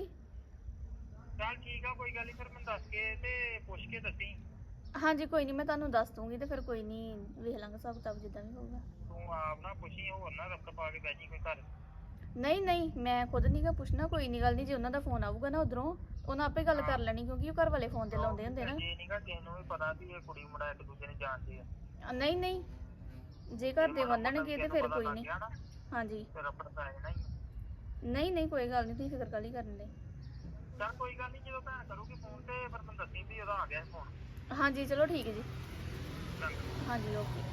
Speaker 3: ਚੱਲ ਠੀਕ ਆ ਕੋਈ ਗੱਲ ਨਹੀਂ ਫਿਰ ਮੈਨੂੰ ਦੱਸ ਕੇ ਤੇ ਪੁੱਛ ਕੇ ਦੱਸੀ।
Speaker 4: ਹਾਂਜੀ ਕੋਈ ਨਹੀਂ ਮੈਂ ਤੁਹਾਨੂੰ ਦੱਸ ਦੂੰਗੀ ਤੇ ਫਿਰ ਕੋਈ ਨਹੀਂ ਵੇਖ ਲਾਂਗੇ ਹਿਸਾਬ ਕਿਤਾਬ ਜਿੱਦਾਂ ਵੀ ਹੋਊਗਾ।
Speaker 3: ਤੂੰ ਆਪ ਨਾ ਪੁੱਛੀ ਹੋਰ ਨਾ ਰੱਖ ਪਾ ਕੇ ਬਹਿ ਜੀ ਕੋਈ ਘਰ।
Speaker 4: ਨਹੀਂ ਨਹੀਂ ਮੈਂ ਖੁਦ ਨਹੀਂ ਗਾ ਪੁੱਛਣਾ ਕੋਈ ਨਹੀਂ ਗੱਲ ਨਹੀਂ ਜੇ ਉਹਨਾਂ ਦਾ ਫੋਨ ਆਊਗਾ ਨਾ ਉਧਰੋਂ ਉਹਨਾਂ ਆਪੇ ਗੱਲ ਕਰ ਲੈਣੀ ਕਿਉਂਕਿ ਉਹ ਘਰ ਵਾਲੇ ਫੋਨ ਤੇ ਲਾਉਂਦੇ ਹੁੰਦੇ ਨਾ।
Speaker 3: ਜੇ ਨਹੀਂਗਾ ਕਿਸੇ ਨੂੰ ਵੀ ਪਤਾ ਵੀ ਇਹ ਕੁੜੀ ਮੁੰਡਾ ਇੱਕ ਦੂਜੇ ਨੂੰ ਜਾਣਦੇ ਆ।
Speaker 4: ਨਹੀਂ ਨਹੀਂ ਜੇ ਘਰ ਦੇ ਮੰਨਣਗੇ ਤੇ ਫਿਰ ਕੋਈ ਨਹੀਂ। ਹਾਂਜੀ
Speaker 3: ਫਿਰ ਆਪਣਾ ਪੈ ਜਾਣਾ ਹੀ।
Speaker 4: ਨਹੀਂ ਨਹੀਂ ਕੋਈ ਗੱਲ ਨਹੀਂ ਤੁਸੀਂ ਫਿਕਰ ਕਾਹਲੀ ਕਰਨ ਦੇ।
Speaker 3: ਚੱਲ ਕੋਈ ਗੱਲ ਨਹੀਂ ਜਦੋਂ ਭੈਣ ਕਰੂਗੀ ਫੋਨ ਤੇ ਫਿਰ ਮੈਨੂੰ ਦੱਸੀ ਵੀ ਉਹਦਾ ਆ ਗਿਆ ਫੋਨ।
Speaker 4: ਹਾਂਜੀ ਚਲੋ ਠੀਕ ਹੈ ਜੀ।
Speaker 3: ਚੰਗਾ
Speaker 4: ਹਾਂਜੀ ਓਕੇ।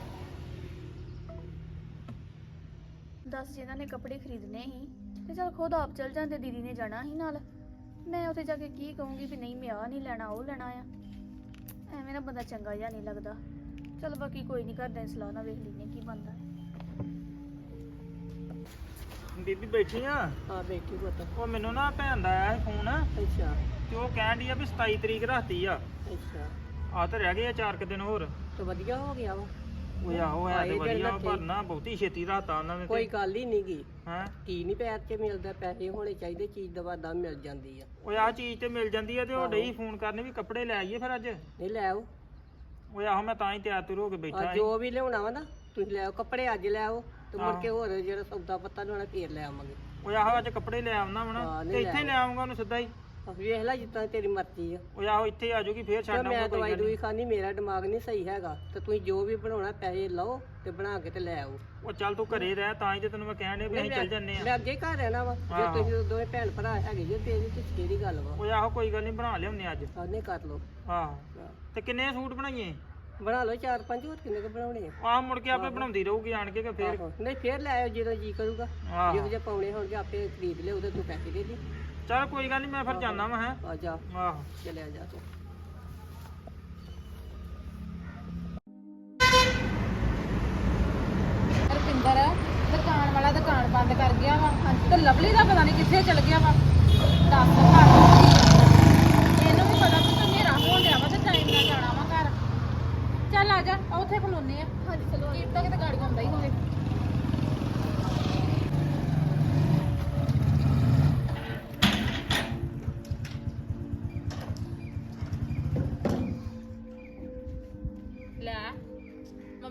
Speaker 4: ਦੱਸ ਜਿਹਨਾਂ ਨੇ ਕੱਪੜੇ ਖਰੀਦਣੇ ਸੀ ਤੇ ਚਲ ਖੁਦ ਆਪ ਚਲ ਜਾਂਦੇ ਦੀਦੀ ਨੇ ਜਾਣਾ ਸੀ ਨਾਲ। ਮੈਂ ਉੱਥੇ ਜਾ ਕੇ ਕੀ ਕਹੂੰਗੀ ਵੀ ਨਹੀਂ ਮੈਂ ਆਹ ਨਹੀਂ ਲੈਣਾ ਉਹ ਲੈਣਾ ਆ ਐਵੇਂ ਨਾ ਬੰਦਾ ਚੰਗਾ ਜਿਹਾ ਨਹੀਂ ਲੱਗਦਾ। ਚਲ ਬਾਕੀ ਕੋਈ ਨਹੀਂ ਘਰਦਿਆਂ ਦੀ ਸਲਾਹ ਨਾਲ ਵੇਖ ਲੈਂਦੇ ਕੀ ਬਣਦਾ।
Speaker 3: ਬੀਬੀ ਬੈਠੀ ਆ?
Speaker 5: ਹਾਂ ਬੈਠੀ ਪੁੱਤ।
Speaker 3: ਉਹ ਮੈਨੂੰ ਨਾ ਭੈਣ ਦਾ ਆਇਆ ਸੀ ਫੋਨ
Speaker 5: ਅੱਛਾ
Speaker 3: ਤੇ ਉਹ ਕਹਿਣ ਡਈ ਆ ਵੀ 27 ਤਰੀਕ ਰੱਖਤੀ ਆ।
Speaker 5: ਅੱਛਾ
Speaker 3: ਆ ਤਾਂ ਰਹਿ ਗਏ ਆ 4 ਦਿਨ ਹੋਰ।
Speaker 5: ਤੇ ਵਧੀਆ ਹੋ ਗਿਆ ਵਾ।
Speaker 3: ਉਹ ਆਹੋ ਹੈ ਤੇ
Speaker 5: ਆਏ ਦਿਨ
Speaker 3: ਵਧੀਆ
Speaker 5: ਲੱਗੇ।
Speaker 3: ਪਰ ਨਾ ਬਹੁਤੀ ਛੇਤੀ ਰਾਤਾ ਉਹਨਾਂ ਨੇ
Speaker 5: ਕੋਈ ਗੱਲ ਹੀ ਨਹੀਂ ਗੀ।
Speaker 3: ਹੈ
Speaker 5: ਕੀ ਨਹੀਂ ਪੈਰ 'ਚ ਮਿਲਦਾ ਪੈਸੇ ਹੋਣੇ ਚਾਹੀਦੇ ਚੀਜ਼ ਦਵਾ ਦਾ ਮਿਲ ਜਾਂਦੀ ਆ।
Speaker 3: ਉਹ ਆ ਚੀਜ਼ ਤੇ ਮਿਲ ਜਾਂਦੀ ਆ ਤੇ ਉਹ ਡਈ ਫੋਨ ਕਰਨੇ ਵੀ ਕੱਪੜੇ ਲੈ ਆਈਏ ਫਿਰ ਅੱਜ।
Speaker 5: ਨਹੀਂ ਲੈ ਆਓ
Speaker 3: ਉਹ ਆਹੋ ਮੈਂ ਤਾਂ ਹੀ ਤਿਆਰ ਤੁਰ ਹੋ ਕੇ ਬੈਠਾ
Speaker 5: ਆ
Speaker 3: ਸੀ।
Speaker 5: ਜੋ ਵੀ ਲਿਆਉਣਾ ਵਾ ਨਾ ਤੁਸੀਂ ਲੈ ਆਓ ਕੱਪੜੇ ਅੱਜ ਲੈ ਆਓ ਤੇ ਮੁੜ ਕੇ ਹੋਰ ਜਿਹੜਾ ਸੌਦਾ ਪੱਤਾ ਲਿਆਉਣਾ ਫੇਰ ਲੈ ਆਵਾਂਗੇ।
Speaker 3: ਉਹ ਆਹੋ ਅੱਜ ਕੱਪੜੇ ਲੈ ਆਉਣਾ ਵਾ ਨਾ
Speaker 5: ਹਾਂ, ਨਹੀਂ
Speaker 3: ਤੇ
Speaker 5: ਲੈ
Speaker 3: ਇੱਥੇ ਲੈ ਆਉਂਗਾ ਉਹਨੂੰ ਸਿੱਧਾ ਹੀ।
Speaker 5: ਵੇਖ ਲੈ ਜਿੱਦਾਂ ਤੇਰੀ ਮਰਜ਼ੀ ਆ।
Speaker 3: ਉਹ ਆਹੋ ਇੱਥੇ ਆ ਜਾਊਗੀ ਫੇਰ
Speaker 5: ਤੇ
Speaker 3: ਛੱਡ
Speaker 5: ਮੈਂ
Speaker 3: ਆਉਂਗਾ
Speaker 5: ਦਵਾਈ
Speaker 3: ਕੋਈ
Speaker 5: ਦੂਈ ਖਾਣੀ ਮੇਰਾ ਦਿਮਾਗ ਨਹੀਂ ਸਹੀ ਹੈਗਾ ਤੇ ਤੁਸੀਂ ਜੋ ਵੀ ਬਣਾਉਣਾ ਪੈਸੇ ਲਓ ਤੇ ਬਣਾ ਕੇ ਤੇ ਲੈ ਆਓ।
Speaker 3: ਉਹ ਚੱਲ ਤੂੰ ਘਰੇ ਰਹਿ ਤਾਂ ਹੀ ਤੇ ਤੈਨੂੰ ਮੈਂ ਕਹਿਣ ਡਿਆ ਵੀ ਅਸੀਂ ਚੱਲ ਜੰਨੇ ਆ।
Speaker 5: ਮੈਂ ਅੱਗੇ ਘਰ ਰਹਿਣਾ ਵਾ ਜੇ
Speaker 3: ਆਹੋ।
Speaker 5: ਤੁਸੀਂ ਦੋਵੇਂ ਭੈਣ ਭਰਾ ਹੈਗੇ ਜੇ ਤੇ ਇਹਦੀ ਤੇ ਕਿਹੜੀ ਗੱਲ ਵਾ।
Speaker 3: ਉਹ ਆਹੋ ਕੋਈ ਗੱਲ ਨਹੀਂ ਬਣਾ ਲਿਆਉਂਦੇ ਅੱਜ।
Speaker 5: ਉਹਨੇ ਕਰ ਲਓ।
Speaker 3: ਆਹੋ ਤੇ ਕਿੰਨੇ ਸੂਟ ਬਣਾਈਏ?
Speaker 5: ਬਣਾ ਲਓ 4-5 ਹੋਰ ਕਿੰਨੇ ਕੁ ਬਣਾਉਣੇ ਆ।
Speaker 3: ਆਹ ਮੁੜ ਕੇ ਆਪੇ ਬਣਾਉਂਦੀ ਰਹੂਗੀ ਆਣ ਕੇ ਕਿ ਫੇਰ।
Speaker 5: ਆਹੋ। ਨਹੀਂ ਫੇਰ ਲੈ ਆਇਓ ਜਦੋਂ ਜੀ ਕਰੂਗਾ।
Speaker 3: ਆਹੋ
Speaker 5: ਜਿਹੋ ਜਿਹੇ ਪਾਉਣੇ ਹੋਣਗੇ ਆਪੇ ਖਰੀਦ ਲਿਓ ਉਹਦੇ ਤੂੰ ਪੈਸੇ ਦੇ ਦੇ।
Speaker 3: ਚੱਲ ਕੋਈ ਗੱਲ ਨਹੀਂ ਮੈਂ ਫਿਰ ਜਾਣਾ ਵਾ ਹੈ।
Speaker 5: ਆ ਜਾ
Speaker 3: ਆਹੋ
Speaker 5: ਚਲਿਆ ਜਾ ਤੂੰ।
Speaker 2: ਰੁਪਿੰਦਰ ਦੁਕਾਨ ਵਾਲਾ ਦੁਕਾਨ ਬੰਦ ਕਰ ਗਿਆ ਵਾ ਤੇ ਲਵਲੀ ਦਾ ਪਤਾ ਨਹੀਂ ਕਿੱਥੇ ਚਲ ਗਿਆ ਵਾ। ਦੱਸ ਘਰ ਇਹਨੂੰ ਵੀ ਪਤਾ ਵੀ ਤੂੰ ਹਨੇਰਾ ਹੋਣ ਡਿਆ ਵਾ ਤੇ ਟਾਈਮ ਨਾਲ ਜਾਣਾ ਵਾ ਘਰ। ਚੱਲ ਆ ਜਾ ਆ ਉੱਥੇ ਖਲੋਨੇ ਆ। ਹਾਂਜੀ ਚਲੋ ਕੀ ਪਤਾ ਕਿਤੇ ਗਾੜੀ ਆਉਂਦਾ ਹੀ ਹੋਵੇ।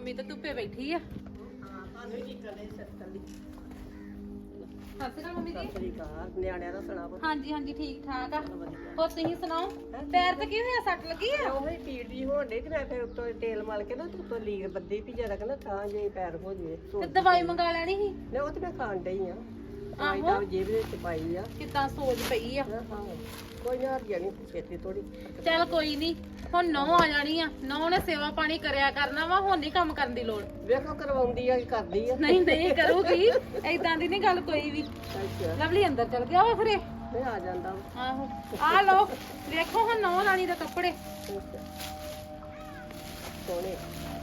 Speaker 2: ਮੰਮੀ ਤਾਂ ਧੁੱਪੇ ਬੈਠੀ ਆ।
Speaker 5: ਹਾਂ ਸਾਨੂੰ ਹੀ ਕਰਦੇ ਸੱਤਰ ਦੀ
Speaker 2: ਸਤਿ ਸ਼੍ਰੀ ਅਕਾਲ ਮੰਮੀ ਜੀ।
Speaker 5: ਸਤਰੀ ਕਾਰ ਨਿਆਣਿਆਂ ਦਾ ਸੁਣਾ ਪੁੱਤ।
Speaker 2: ਹਾਂਜੀ ਹਾਂਜੀ ਠੀਕ ਠਾਕ ਆ।
Speaker 5: ਵਧੀਆ
Speaker 2: ਹੋਰ ਤੁਸੀਂ ਸੁਣਾਓ, ਪੈਰ ਤੇ ਕੀ ਹੋਇਆ, ਸੱਟ ਲੱਗੀ ਆ?
Speaker 5: ਉਹ ਹੀ ਪੀੜ ਦੀ ਹੋਣ ਡਈ ਤੇ ਮੈਂ ਫਿਰ ਉੱਤੋਂ ਤੇਲ ਮਲ ਕੇ ਨਾ ਤੇ ਉੱਤੋਂ ਲੀਰ ਬੱਦੀ ਵੀ ਜਰਾ ਕਹਿੰਦਾ ਥਾਂ ਜੇ ਪੈਰ ਹੋ ਜਵੇ
Speaker 2: ਤੇ ਦਵਾਈ ਮੰਗਾ ਲੈਣੀ ਸੀ।
Speaker 5: ਨਹੀਂ ਉਹ ਤੇ ਮੈਂ ਖਾਣ ਡਈ ਆ ਆਈ ਤਾਂ ਜੇਬ ਦੇ ਵਿੱਚ ਪਾਈ ਆ
Speaker 2: ਕਿੱਦਾਂ ਸੋਜ ਪਈ ਆ।
Speaker 5: ਹਾਂ ਕੋਈ ਨਾ ਜਾਣੀ ਛੇਤੀ ਥੋੜੀ
Speaker 2: ਚੱਲ ਕੋਈ ਨਹੀਂ, ਹੁਣ ਨੌ ਆ ਜਾਣੀ ਆ, ਨੌ ਨੇ ਸੇਵਾ ਪਾਣੀ ਕਰਿਆ ਕਰਨਾ ਵਾ, ਹੁਣ ਨਹੀਂ ਕੰਮ ਕਰਨ ਦੀ ਲੋੜ।
Speaker 5: ਵੇਖੋ ਕਰਵਾਉਂਦੀ ਆ ਕਿ ਕਰਦੀ ਆ
Speaker 2: ਨਹੀਂ ਨਹੀਂ ਕਰੂਗੀ, ਏਦਾਂ ਦੀ ਨਹੀਂ ਗੱਲ ਕੋਈ ਵੀ।
Speaker 5: ਅੱਛਾ
Speaker 2: ਲਵਲੀ ਅੰਦਰ ਚਲ ਗਿਆ ਵਾ ਫਿਰੇ।
Speaker 5: ਨਹੀਂ ਆ ਜਾਂਦਾ ਵਾ।
Speaker 2: ਆਹੋ ਆ ਲਓ, ਵੇਖੋ ਹੁਣ ਨੌ ਰਾਣੀ ਦੇ ਕੱਪੜੇ।
Speaker 5: ਅੱਛਾ। ਸੋਹਣੇ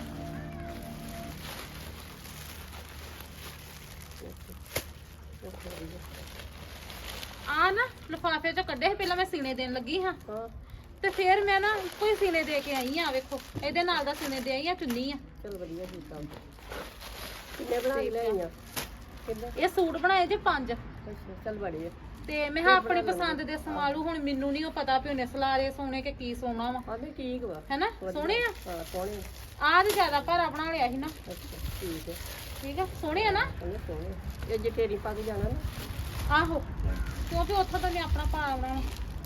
Speaker 2: ਆ ਨਾ ਲਿਫਾਫੇ ਚੋਂ ਕੱਢੇ ਸੀ, ਪਹਿਲਾਂ ਮੈਂ ਸੀਨੇ ਦੇਣ ਲੱਗੀ ਹਾਂ
Speaker 5: ਹਾਂ
Speaker 2: ਤੇ ਫਿਰ ਮੈਂ ਨਾ ਕੋਈ ਸੀਨੇ ਦੇ ਕੇ ਆਈ ਆ। ਵੇਖੋ ਇਹਦੇ ਨਾਲ ਦਾ ਸੀਨੇ ਦੇ ਆਈ ਆ, ਚੁੰਨੀ ਆ।
Speaker 5: ਚਲ ਵਧੀਆ ਕੀਤਾ ਕਿੰਨੇ ਬਣਾ ਕੇ ਲਿਆਈਆਂ ਕਿੰਨੇ
Speaker 2: ਇਹ ਸੂਟ ਬਣਾਏ ਜੇ 5
Speaker 5: ਅੱਛਾ ਚਲ ਬੜੀ ਆ
Speaker 2: ਤੇ ਮੈਂ ਕਿਹਾ ਆਪਣੀ ਪਸੰਦ ਦੇ ਸਮਾਲੂ। ਹੁਣ ਮੈਨੂੰ ਨਹੀਂ ਉਹ ਪਤਾ ਵੀ ਉਹਨੇ ਸਲਾਰੇ ਸੋਨੇ ਕਿ ਕੀ ਸੋਨਾ ਵਾ,
Speaker 5: ਹਾਂ ਨਹੀਂ ਠੀਕ ਵਾ
Speaker 2: ਹੈਨਾ? ਸੋਹਣੇ ਆ।
Speaker 5: ਹਾਂ ਸੋਹਣੇ
Speaker 2: ਆਹ ਤੇ ਜ਼ਿਆਦਾ ਭਾਰਾ ਬਣਾ ਲਿਆ ਸੀ ਨਾ।
Speaker 5: ਅੱਛਾ ਠੀਕ ਹੈ
Speaker 2: ਠੀਕ ਆ, ਸੋਹਣੇ ਆ ਨਾ।
Speaker 5: ਉਹਨੇ ਸੋਹਣੇ ਇਹ ਜੇ ਤੇਰੀ ਪਾ ਕੇ ਜਾਣਾ ਨਾ
Speaker 2: ਆਹੋ, ਕਿਉਂਕਿ ਉੱਥੋਂ ਤਾਂ ਮੈਂ ਆਪਣਾ ਭਾਰਾ ਬਣਾਉਣਾ।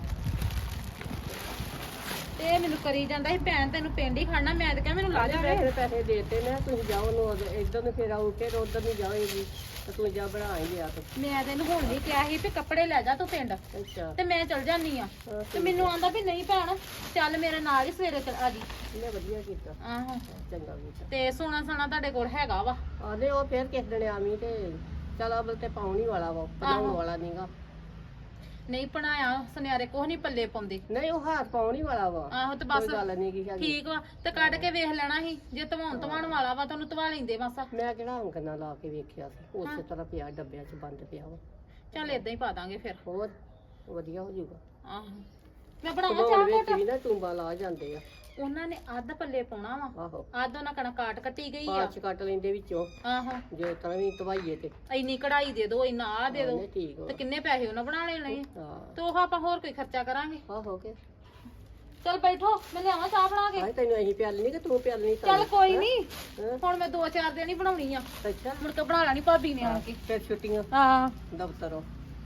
Speaker 2: ਤੇ ਇਹ ਮੈਨੂੰ ਕਰੀ ਜਾਂਦਾ ਸੀ, ਭੈਣ ਤੈਨੂੰ ਪਿੰਡ ਹੀ ਖੜਨਾ। ਮੈਂ ਤੇ ਕਿਹਾ ਮੈਨੂੰ ਲਾ ਜਾ।
Speaker 5: ਮੈਂ ਫਿਰ ਪੈਸੇ ਦੇਤੇ ਨੇ ਤੁਸੀਂ ਜਾਓ ਨੂੰ ਇੱਧਰ ਨੂੰ ਫਿਰ ਆਉ ਕੇ ਉਧਰ ਨੂੰ ਜਾਓਗੀ ਤੇ ਤੂੰ ਜਾ ਬਣਾ ਹੀ ਲਿਆ ਤੂੰ
Speaker 2: ਮੈਂ ਤੈਨੂੰ ਹੁਣ ਨਹੀਂ ਕਿਹਾ ਸੀ ਵੀ ਕੱਪੜੇ ਲੈ ਜਾ ਤੂੰ ਪਿੰਡ,
Speaker 5: ਅੱਛਾ
Speaker 2: ਤੇ ਮੈਂ ਚਲ ਜਾਨੀ ਆ।
Speaker 5: ਹਾਂ,
Speaker 2: ਤੇ ਮੈਨੂੰ ਆਂਦਾ ਵੀ ਨਹੀਂ ਭੈਣ, ਚੱਲ ਮੇਰੇ ਨਾਲ ਹੀ ਸਵੇਰੇ ਆ ਜੀ।
Speaker 5: ਇਹਨੇ ਵਧੀਆ ਕੀਤਾ
Speaker 2: ਆਹੋ,
Speaker 5: ਚੰਗਾ ਕੀਤਾ
Speaker 2: ਤੇ ਸੋਨਾ ਸਾਨਾ ਤੁਹਾਡੇ ਕੋਲ ਹੈਗਾ ਵਾ?
Speaker 5: ਆਦੇ ਉਹ ਫਿਰ ਕਿਸ ਦਿਨ ਆਵੀਂ ਤੇ ਚਲ ਅਬਲ ਤੇ ਪਾਉਣੀ ਵਾਲਾ ਵਾ ਬਣਾਉਣ ਵਾਲਾ ਨਹੀਂਗਾ
Speaker 2: ਨਹੀਂ ਬਣਾਇਆ ਸੁਨਿਆਰੇ ਕੁਛ ਨਹੀਂ ਪੱਲੇ ਪਾਉਂਦੇ।
Speaker 5: ਨਹੀਂ ਉਹ ਹਾਰ ਪਾਉਣੀ ਵਾਲਾ ਵਾ
Speaker 2: ਆਹੋ ਤੇ ਬਸ
Speaker 5: ਕੋਈ ਗੱਲ ਨਹੀਂ ਕੀ ਹੈਗੀ
Speaker 2: ਠੀਕ ਵਾ, ਤੇ ਕੱਢ ਕੇ ਵੇਖ ਲੈਣਾ ਸੀ। ਜੇ ਧਵਾਉਣ ਵਾਲਾ ਵਾ ਤੁਹਾਨੂੰ ਧਵਾ ਲੈਂਦੇ ਮਾਸਾ।
Speaker 5: ਮੈਂ ਕਿਹੜਾ ਅੰਗਨਾ ਲਾ ਕੇ ਵੇਖਿਆ ਸੀ ਉਸੇ ਤਰ੍ਹਾਂ ਪਿਆ ਡੱਬਿਆਂ 'ਚ ਬੰਦ ਪਿਆ ਵਾ
Speaker 2: ਚੱਲ ਏਦਾਂ ਹੀ ਪਾ ਦਾਂਗੇ ਫਿਰ।
Speaker 5: ਹੋਰ ਵਧੀਆ ਹੋ ਜਾਊਗਾ
Speaker 2: ਆਹੋ, ਮੈਂ ਬਣਾਵਾਂ
Speaker 5: ਬਣਾਉਣ
Speaker 2: ਚਾਹ
Speaker 5: ਵਿੱਚ
Speaker 2: ਘੋਟ।
Speaker 5: ਵੀ ਨਾ ਟੂੰਬਾ ਲਾ ਜਾਂਦੇ ਆ
Speaker 2: ਉਹਨਾਂ ਨੇ ਅੱਧ ਪੱਲੇ ਪਾਉਣਾ ਵਾ,
Speaker 5: ਆਹੋ
Speaker 2: ਅੱਧ ਉਹਨਾਂ ਕਣਾ ਕਾਟ ਕੱਟੀ ਗਈ ਆ।
Speaker 5: ਪਾਚ ਕੱਟ ਲੈਂਦੇ ਵਿੱਚੋਂ
Speaker 2: ਆਹੋ,
Speaker 5: ਜੇ ਤਰ੍ਹਾਂ ਵੀ ਧਵਾਈਏ ਤੇ
Speaker 2: ਇੰਨੀ ਕਢਾਈ ਦੇ ਦੋ, ਇੰਨਾ ਆ ਦੇ ਦੋ,
Speaker 5: ਨਹੀਂ ਠੀਕ ਵਾ
Speaker 2: ਤੇ ਕਿੰਨੇ ਪੈਸੇ ਉਹਨਾਂ ਬਣਾ ਲੈਣੇ ਆ।
Speaker 5: ਹਾਂ
Speaker 2: ਤੇ ਉਹ ਆਪਾਂ ਹੋਰ ਕੋਈ ਖਰਚਾ ਕਰਾਂਗੇ।
Speaker 5: ਆਹ ਹੋ ਕੇ
Speaker 2: ਚੱਲ ਬੈਠੋ, ਮੈਂ ਲਿਆਵਾਂ ਚਾਹ ਬਣਾ ਕੇ।
Speaker 5: ਆਏ ਤੈਨੂੰ ਅਸੀਂ ਪਿਆਲ ਨਹੀਂ ਕਿ ਤੂੰ ਪਿਆਲ ਨਹੀਂ
Speaker 2: ਚੱਲ ਕੋਈ ਨਹੀਂ,
Speaker 5: ਹਾਂ।
Speaker 2: ਹੁਣ ਮੈਂ 2-4 ਦਿਨ ਹੀ ਬਣਾਉਣੀ ਆ,
Speaker 5: ਅੱਛਾ
Speaker 2: ਮੁੜ ਕੇ ਬਣਾ ਲੈਣੀ ਭਾਬੀ ਨੇ ਆਣ ਕੇ।
Speaker 5: ਫਿਰ ਛੁੱਟੀਆਂ
Speaker 2: ਹਾਂ
Speaker 5: ਦਫ਼ਤਰੋਂ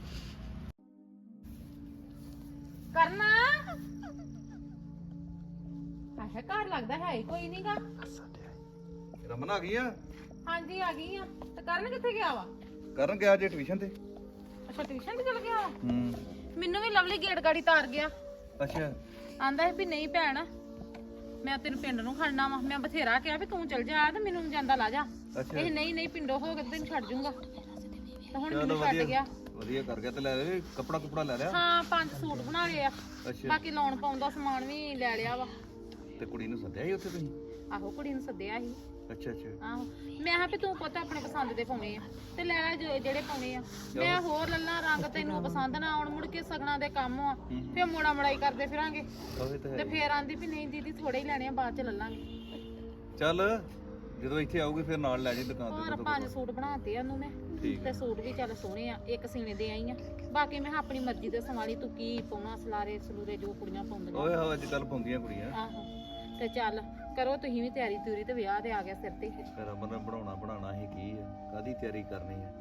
Speaker 2: ਕਰਨਾ ਆਹ ਘਰ ਲੱਗਦਾ ਹੈ ਹੀ ਕੋਈ ਨਹੀਂਗਾ।
Speaker 1: ਰਮਨ ਆ ਗਈ ਆ?
Speaker 2: ਹਾਂਜੀ ਆ ਗਈ ਆ। ਤੇ ਕਰਨ ਕਿੱਥੇ ਗਿਆ ਵਾ?
Speaker 1: ਕਰਨ ਗਿਆ ਜੇ ਟਿਊਸ਼ਨ ਤੇ।
Speaker 2: ਅੱਛਾ ਟਿਊਸ਼ਨ ਤੇ ਚਲ ਗਿਆ ਵਾ।
Speaker 1: ਹੂੰ
Speaker 2: ਮੈਨੂੰ ਵੀ ਲਵਲੀ ਗੇਟ ਗਾੜੀ ਤਾਰ ਗਿਆ।
Speaker 1: ਅੱਛਾ
Speaker 2: ਆਂਦਾ ਸੀ ਵੀ ਨਹੀਂ ਭੈਣ, ਮੈਂ ਤੈਨੂੰ ਪਿੰਡ ਨੂੰ ਖੜਨਾ ਵਾ। ਮੈਂ ਬਥੇਰਾ ਕਿਹਾ ਵੀ ਤੂੰ ਚਲ ਜਾ ਤੇ ਮੈਨੂੰ ਜਾਂਦਾ ਲਾ ਜਾ।
Speaker 1: ਅੱਛਾ
Speaker 2: ਇਹ ਨਹੀਂ ਪਿੰਡੋਂ ਹੋ ਕੇ ਤੈਨੂੰ ਛੱਡ ਜੂੰਗਾ। ਤੇ ਹੁਣ
Speaker 1: ਚਲੋ
Speaker 2: ਮੈਨੂੰ ਛੱਡ
Speaker 1: ਵਧੀਆ
Speaker 2: ਗਿਆ।
Speaker 1: ਵਧੀਆ ਕਰ ਗਿਆ। ਤੇ ਲੈ ਲੈ ਕੱਪੜਾ ਕੁਪੜਾ ਲੈ ਲਿਆ?
Speaker 2: ਹਾਂ 5 ਸੂਟ ਬਣਾ ਲਏ ਆ,
Speaker 1: ਅੱਛਾ
Speaker 2: ਬਾਕੀ ਲਾਉਣ ਪਾਉਣ ਦਾ ਸਮਾਨ ਵੀ ਲੈ ਲਿਆ ਵਾ।
Speaker 1: ਤੇ ਕੁੜੀ ਨੂੰ ਸੱਦਿਆ ਸੀ ਉੱਥੇ ਤੁਸੀਂ?
Speaker 2: ਆਹੋ ਕੁੜੀ ਨੂੰ ਸੱਦਿਆ ਸੀ।
Speaker 1: ਅੱਛਾ ਅੱਛਾ
Speaker 2: ਆਹੋ ਮੈਂ ਕਿਹਾ ਵੀ ਤੂੰ ਪੁੱਤ ਆਪਣੇ ਪਸੰਦ ਦੇ ਪਾਉਣੇ ਆ ਤੇ ਲੈ ਲੈ ਜਿਹੜੇ ਪਾਉਣੇ ਆ। ਮੈਂ ਹੋਰ ਲੱਲਾ ਰੰਗ ਤੈਨੂੰ ਪਸੰਦ ਨਾ ਆਉਣ, ਮੁੜ ਕੇ ਸਗਣਾ ਦੇ ਕੰਮ ਆ, ਫੇਰ ਮੋੜਾ ਮੜਾਈ ਕਰਦੇ ਫਿਰਾਂਗੇ।
Speaker 1: ਉਹ ਤਾਂ
Speaker 2: ਤੇ
Speaker 1: ਹੈ।
Speaker 2: ਫੇਰ ਆਂਦੀ ਵੀ ਨਹੀਂ ਦੀਦੀ ਥੋੜੇ ਹੀ ਲੈਣੇ ਆ, ਬਾਅਦ ਚ ਲੱਲਾਂਗੇ।
Speaker 1: ਚੱਲ ਜਦੋਂ ਇੱਥੇ ਆਊਗੀ ਫਿਰ ਨਾਲ ਲੈ ਜੀ ਦੁਕਾਨ
Speaker 2: ਹੋਰ
Speaker 1: ਤੇ
Speaker 2: 5 ਸੂਟ ਬਣਾਤੇ ਉਹਨੂੰ ਮੈਂ,
Speaker 1: ਠੀਕ
Speaker 2: ਤੇ ਸੂਟ ਵੀ ਚੱਲ ਸੋਹਣੇ ਆ। ਇੱਕ ਸੀਨੇ ਦੇ ਆਈ ਆ, ਬਾਕੀ ਮੈਂ ਕਿਹਾ ਆਪਣੀ ਮਰਜ਼ੀ ਦੇ ਸੰਭਾਲੀ, ਤੂੰ ਕੀ ਪਾਉਣਾ ਸਲਾਰੇ ਸਲੂਰੇ ਜੋ ਕੁੜੀਆਂ ਪਾਉਂਦੀਆਂ।
Speaker 1: ਓਏ ਹੋ ਅੱਜ ਕੱਲ ਪਾਉਂਦੀਆਂ ਕੁੜੀਆਂ।
Speaker 2: ਆਹੋ ਤੇ ਚੱਲ ਕਰੋ ਤੁਸੀਂ ਵੀ ਤਿਆਰੀ ਤਿਉਰੀ, ਤੇ ਵਿਆਹ ਤੇ ਆ ਗਿਆ ਸਿਰ ਤੇ।
Speaker 1: ਰਮਨ ਨੇ ਬਣਾਉਣਾ ਹੀ ਕੀ ਆ? ਕਾਦੀ ਤਿਆਰੀ ਕਰਨੀ ਆ?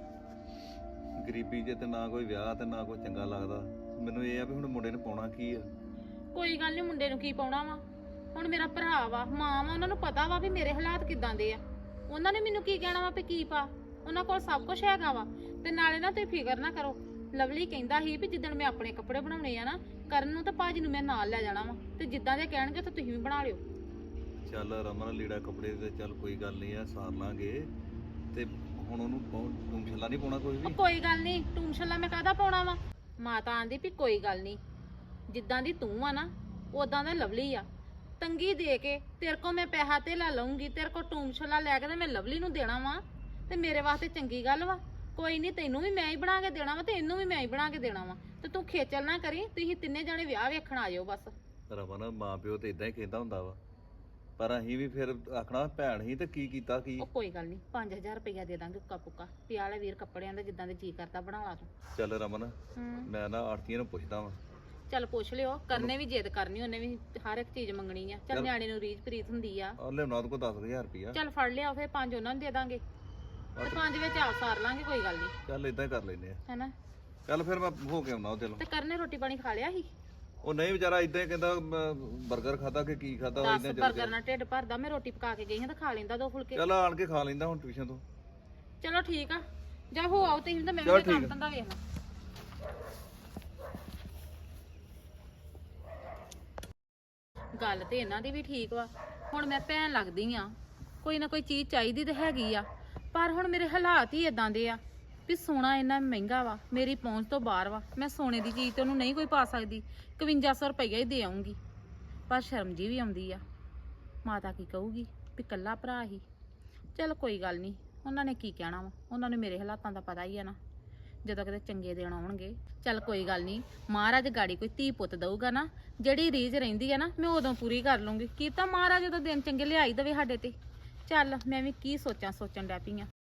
Speaker 1: ਗਰੀਬੀ ਜੇ ਤੇ ਨਾ ਕੋਈ ਵਿਆਹ ਤੇ ਨਾ ਕੋਈ ਚੰਗਾ ਲੱਗਦਾ। ਮੈਨੂੰ ਇਹ ਆ ਵੀ ਹੁਣ ਮੁੰਡੇ ਨੇ ਪਾਉਣਾ ਕੀ ਆ?
Speaker 2: ਕੋਈ ਗੱਲ ਨਹੀਂ, ਮੁੰਡੇ ਨੂੰ ਕੀ ਪਾਉਣਾ ਵਾ। ਹੁਣ ਮੇਰਾ ਭਰਾ ਵਾ, ਮਾਂ ਵਾ, ਉਹਨਾਂ ਨੂੰ ਪਤਾ ਵਾ ਵੀ ਮੇਰੇ ਹਾਲਾਤ ਕਿਦਾਂ ਦੇ ਆ। ਉਹਨਾਂ ਨੇ ਮੈਨੂੰ ਕੀ ਕਹਿਣਾ ਵਾ ਵੀ ਕੀ ਪਾ, ਉਹਨਾਂ ਕੋਲ ਸਭ ਕੁਝ ਹੈਗਾ ਵਾ। ਤੇ ਨਾਲੇ ਨਾ ਤੁਸੀਂ ਫਿਕਰ ਨਾ ਕਰੋ, ਲਵਲੀ ਕਹਿੰਦਾ ਸੀ ਵੀ ਜਿੱਦਣ ਮੈਂ ਆਪਣੇ ਕੱਪੜੇ ਬਣਾਉਣੇ ਆ ਨਾ, ਕਰਨ ਨੂੰ ਤਾਂ ਭਾਜੀ ਨੂੰ ਮੈਂ ਨਾਲ ਲੈ ਜਾਣਾ ਵਾ, ਤੇ ਜਿੱਦਾਂ ਦੇ ਕਹਿਣਗੇ ਤਾਂ ਤੁਸੀਂ ਵੀ ਬਣਾ ਲਿਓ।
Speaker 1: ਚੱਲ ਰਮਨ ਲੀੜਾ ਕੱਪੜੇ ਤੇ ਚੱਲ ਕੋਈ ਗੱਲ ਨਹੀਂ ਆ, ਸਾਰ ਲਾਂਗੇ। ਤੇ ਹੁਣ ਉਹਨੂੰ ਤੂੰ ਛੱਲਾ ਨਹੀਂ ਪਾਉਣਾ ਕੋਈ
Speaker 2: ਉਹ
Speaker 1: ਵੀ?
Speaker 2: ਕੋਈ ਗੱਲ ਨਹੀਂ, ਟੂਮਸ਼ਲਾ ਮੈਂ ਕਾਹਦਾ ਪਾਉਣਾ ਵਾ। ਮਾਤਾ ਆਂਦੀ ਵੀ ਕੋਈ ਗੱਲ ਨਹੀਂ, ਜਿੱਦਾਂ ਦੀ ਤੂੰ ਆ ਨਾ ਉਦਾਂ ਦਾ ਲਵਲੀ ਆ। ਤੰਗੀ ਦੇ ਕੇ ਤੇਰੇ ਕੋ ਮੈਂ ਪੈਸਾ ਤੇ ਲੈ ਲਊਂਗੀ, ਤੇਰੇ ਕੋ ਟੂਮਸ਼ਲਾ ਲੈ ਕੇ ਤੇ ਮੈਂ ਲਵਲੀ ਨੂੰ ਦੇਣਾ ਵਾ, ਤੇ ਮੇਰੇ ਵਾਸਤੇ ਚੰਗੀ ਗੱਲ ਵਾ। ਕੋਈ ਨਹੀਂ, ਤੈਨੂੰ ਵੀ ਮੈਂ ਹੀ ਬਣਾ ਕੇ ਦੇਣਾ ਵਾ, ਤੇ ਇਹਨੂੰ ਵੀ ਮੈਂ ਹੀ ਬਣਾ ਕੇ ਦੇਣਾ ਵਾ। ਤੇ ਤੂੰ ਖੇਚਲ ਨਾ ਕਰੀ, ਤੁਸੀਂ ਤਿੰਨੇ ਜਣੇ ਵਿਆਹ ਵੇਖਣ ਆ ਜਾਓ ਬਸ।
Speaker 1: ਰਮਨ ਮਾਂ ਪਿਓ ਤੇ ਇਦਾਂ ਹੀ ਕਹਿੰਦਾ ਹੁੰਦਾ ਵਾ, ਪਰ ਅਸੀਂ ਵੀ ਫਿਰ ਆਖਣਾ ਭੈਣ ਹੀ ਤੇ ਕੀ ਕੀਤਾ ਕੀ।
Speaker 2: ਉਹ ਕੋਈ ਗੱਲ ਨਹੀਂ, 5000 ਰੁਪਇਆ ਦੇ ਦਾਂਗੇ ਉੱਕਾ ਪੁੱਕਾ, ਪਿਆ ਵਾਲੇ ਵੀਰ ਕੱਪੜਿਆਂ ਦਾ ਜਿੱਦਾਂ ਦੇ ਜੀ ਕਰਦਾ ਬਣਾ ਲਾ ਤੂੰ।
Speaker 1: ਚੱਲ ਰਮਨ
Speaker 2: ਹੂੰ
Speaker 1: ਮੈਂ ਨਾ ਆੜਤੀਆਂ ਨੂੰ ਪੁੱਛਦਾ ਵਾਂ,
Speaker 2: ਚੱਲ ਪੁੱਛ ਲਿਓ, ਕਰਨੇ ਵੀ ਜਿੱਦ ਕਰਨੀ, ਉਹਨੇ ਵੀ ਹਰ ਇੱਕ ਚੀਜ਼ ਮੰਗਣੀ ਆ। ਚੱਲ
Speaker 1: ਚੱਲ।
Speaker 2: ਨਿਆਣੇ ਨੂੰ ਰੀਝ ਪ੍ਰੀਤ ਹੁੰਦੀ ਆ।
Speaker 1: ਆ ਲਿਆਉਣਾ ਉਹਦੇ ਕੋਲ 10000 ਰੁਪਇਆ।
Speaker 2: ਚੱਲ ਫੜ ਲਿਆ, ਫਿਰ 5 ਉਹਨਾਂ ਨੂੰ ਦੇ ਦਾਂਗੇ ਤੇ 5 ਵਿੱਚ ਆਪ ਸਾਰ ਲਾਂਗੇ, ਕੋਈ ਗੱਲ ਨਹੀਂ
Speaker 1: ਚੱਲ ਇਦਾਂ ਹੀ ਕਰ ਲੈਨੇ ਆ।
Speaker 2: ਹੈਨਾ।
Speaker 1: ਚੱਲ ਫਿਰ ਮੈਂ ਹੋ ਕੇ ਆਉਣਾ ਉਹਦੇ ਨਾਲ।
Speaker 2: ਤੇ ਕਰਨੇ ਰੋਟੀ ਪਾਣੀ ਖਾ ਲਿਆ ਸੀ?
Speaker 1: ਉਹ ਨਹੀਂ ਵਿਚਾਰਾ ਇਦਾਂ ਹੀ ਕਹਿੰਦਾ 버ਗਰ ਖਾਦਾ ਕਿ ਕੀ ਖਾਦਾ, ਉਹ
Speaker 2: 10
Speaker 1: ਇਦਾਂ
Speaker 2: ਬਰਗਰ ਨਾਲ ਢਿੱਡ ਭਰਦਾ, ਮੈਂ ਰੋਟੀ ਪਕਾ ਕੇ ਗਈ ਹਾਂ ਤਾਂ ਖਾ ਲੈਂਦਾ 2 ਫੁਲਕੇ।
Speaker 1: ਚੱਲ ਆਣ ਕੇ ਖਾ ਲੈਂਦਾ ਹੁਣ ਟਿਊਸ਼ਨ ਤੋਂ।
Speaker 2: ਚਲੋ ਠੀਕ ਆ, ਜਾ ਹੋ ਆਓ ਤੁਸੀਂ ਤਾਂ ਮੈਂ
Speaker 1: ਚਲੋ
Speaker 2: ਵੀ ਕੰਮ
Speaker 1: ਠੀਕ ਆ।
Speaker 2: ਧੰਦਾ ਵੇਖਣਾ। ਗੱਲ ਤੇ ਇਹਨਾਂ ਦੀ ਵੀ ਠੀਕ ਵਾ, ਹੁਣ ਮੈਂ ਭੈਣ ਲੱਗਦੀ ਆ, ਕੋਈ ਨਾ ਕੋਈ ਚੀਜ਼ ਚਾਹੀਦੀ ਤੇ ਹੈਗੀ ਆ, ਪਰ ਹੁਣ ਮੇਰੇ ਹਾਲਾਤ ਹੀ ਇਦਾਂ ਦੇ ਆ ਵੀ ਸੋਨਾ ਇੰਨਾ ਮਹਿੰਗਾ ਵਾ, ਮੇਰੀ ਪਹੁੰਚ ਤੋਂ ਬਾਹਰ ਵਾ। ਮੈਂ ਸੋਨੇ ਦੀ ਚੀਜ਼ ਤੇ ਉਹਨੂੰ ਨਹੀਂ ਕੋਈ ਪਾ ਸਕਦੀ, 5100 ਰੁਪਈਆ ਹੀ ਦੇ ਆਉਂਗੀ। ਪਰ ਸ਼ਰਮ ਜੀ ਵੀ ਆਉਂਦੀ ਆ, ਮਾਤਾ ਕੀ ਕਹੂਗੀ ਵੀ ਕੱਲਾ ਭਰਾ ਹੀ। ਚਲ ਕੋਈ ਗੱਲ ਨਹੀਂ, ਉਹਨਾਂ ਨੇ ਕੀ ਕਹਿਣਾ ਵਾ, ਉਹਨਾਂ ਨੂੰ ਮੇਰੇ ਹਾਲਾਤਾਂ ਦਾ ਪਤਾ ਹੀ ਆ ਨਾ, ਜਦੋਂ ਕਿਤੇ ਚੰਗੇ ਦਿਨ ਆਉਣਗੇ। ਚੱਲ ਕੋਈ ਗੱਲ ਨਹੀਂ, ਮਹਾਰਾਜ ਗਾੜੀ ਕੋਈ ਧੀ ਪੁੱਤ ਦਊਗਾ ਨਾ, ਜਿਹੜੀ ਰੀਝ ਰਹਿੰਦੀ ਆ ਨਾ ਮੈਂ ਉਦੋਂ ਪੂਰੀ ਕਰ ਲੂੰਗੀ। ਕੀ ਤਾਂ ਮਹਾਰਾਜ ਜਦੋਂ ਦਿਨ ਚੰਗੇ ਲਿਆਈ ਦੇਵੇ ਸਾਡੇ ਤੇ। ਚੱਲ ਮੈਂ ਵੀ ਕੀ ਸੋਚਣ ਡੈ ਪਈ ਆ।